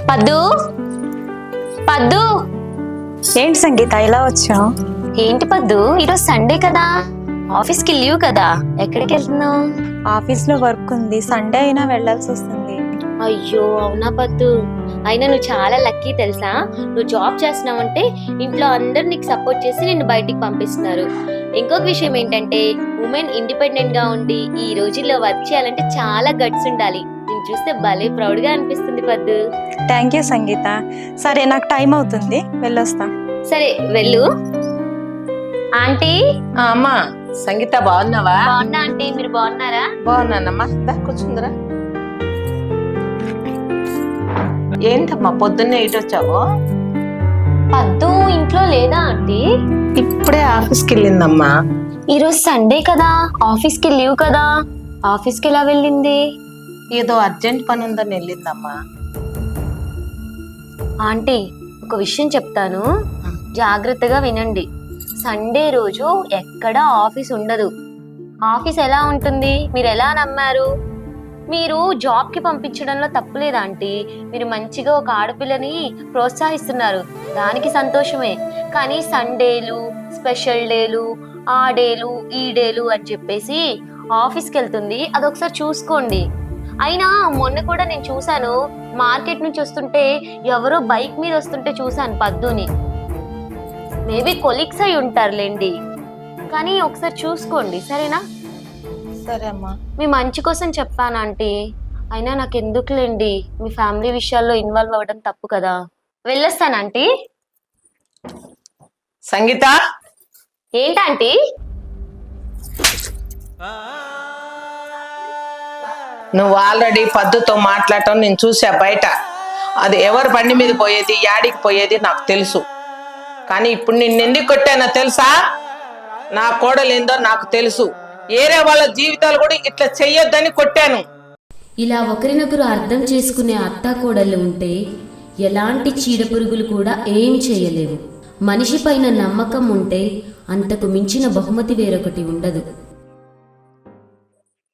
పద్దు పద్దు. ఏంటి సంగీత ఇలా వచ్చావు? ఏంటి పద్దు, ఈరోజు సండే కదా, ఆఫీస్ కి లీవ్ కదా, ఎక్కడికి వెళ్తున్నావు? ఆఫీస్ లో వర్క్ ఉంది, సండే అయినా వెళ్ళాల్సి వస్తుంది. అయ్యో అవునా పద్దు, అయినా నువ్వు చాలా లక్కీ తెలుసా. నువ్వు జాబ్ చేస్తున్నావంటే ఇంట్లో అందరు నీకు సపోర్ట్ చేసి నిన్ను బయటికి పంపిస్తున్నారు. ఇంకొక విషయం ఏంటంటే ఉమెన్ ఇండిపెండెంట్ గా ఉండి ఈ రోజుల్లో వర్క్ చేయాలంటే చాలా గట్స్ ఉండాలి. నేను చూస్తే భలే ప్రౌడ్ గా అనిపిస్తుంది పద్దు. Thank you Sangeetha. సరే నాకు టైం అవుతుంది, వెళ్ళొస్తా. సరే వెళ్ళు. ఆంటీ. అమ్మా సంగీత బాగున్నావా? బాగున్నా ఆంటీ, మీరు బాగున్నారా? బాగున్నానమ్మా, దా కూర్చుందిరా. ఏంటమ్మా పొద్దున్నే ఇటు వచ్చావు? పద్దు ఇంట్లో లేదా ఆంటీ? ఇప్పుడే ఆఫీస్కి వెళ్ళిందమ్మా. ఈరోజు సండే కదా, ఆఫీస్ కి లీవ్ కదా, ఆఫీస్ కి ఎలా వెళ్ళింది? ఏదో అర్జెంట్ పని ఉందని వెళ్ళిందమ్మా. ఆంటీ ఒక విషయం చెప్తాను, జాగ్రత్తగా వినండి. సండే రోజు ఎక్కడ ఆఫీస్ ఉండదు. ఆఫీస్ ఎలా ఉంటుంది మీరు ఎలా నమ్మారు? మీరు జాబ్ కి పంపించడంలో తప్పులేదు ఆంటీ, మీరు మంచిగా ఒక ఆడపిల్లని ప్రోత్సహిస్తున్నారు, దానికి సంతోషమే. కానీ సండేలు, స్పెషల్ డేలు, ఆ డేలు ఈ డేలు అని చెప్పేసి ఆఫీస్కి వెళ్తుంది, అదొకసారి చూసుకోండి. అయినా మొన్న కూడా నేను చూశాను, మార్కెట్ నుంచి వస్తుంటే ఎవరో బైక్ మీద వస్తుంటే చూశాను పద్దుని. మేబీ కొలీగ్స్ అయి ఉంటారులేండి, కానీ ఒకసారి చూసుకోండి సరేనా? సరే అమ్మా. మీ మంచి కోసం చెప్పాను ఆంటీ, అయినా నాకు ఎందుకులేండి, మీ ఫ్యామిలీ విషయాల్లో ఇన్వాల్వ్ అవ్వడం తప్పు కదా. వెళ్ళొస్తాను ఆంటీ. సంగీత. ఏంటంటీ? నువ్వు ఆల్రెడీ పద్దుతో మాట్లాడటం నేను చూసా బయట. అది ఎవరి బండి మీద పోయేది, యాడికి పోయేది నాకు తెలుసు. కానీ ఇప్పుడు నిన్ను ఎందుకు కొట్టానో తెలుసా? నా కోడలేందో నాకు తెలుసు. ఏరే వాళ్ళ జీవితాలు కూడా ఇట్లా చెయ్యొద్దని కొట్టాను. ఇలా ఒకరినొకరు అర్థం చేసుకునే అత్తాకోడళ్ళు ఉంటే ఎలాంటి చీడపురుగులు కూడా ఏం చేయలేవు. మనిషి పైన నమ్మకం ఉంటే అంతకు మించిన బహుమతి వేరొకటి ఉండదు.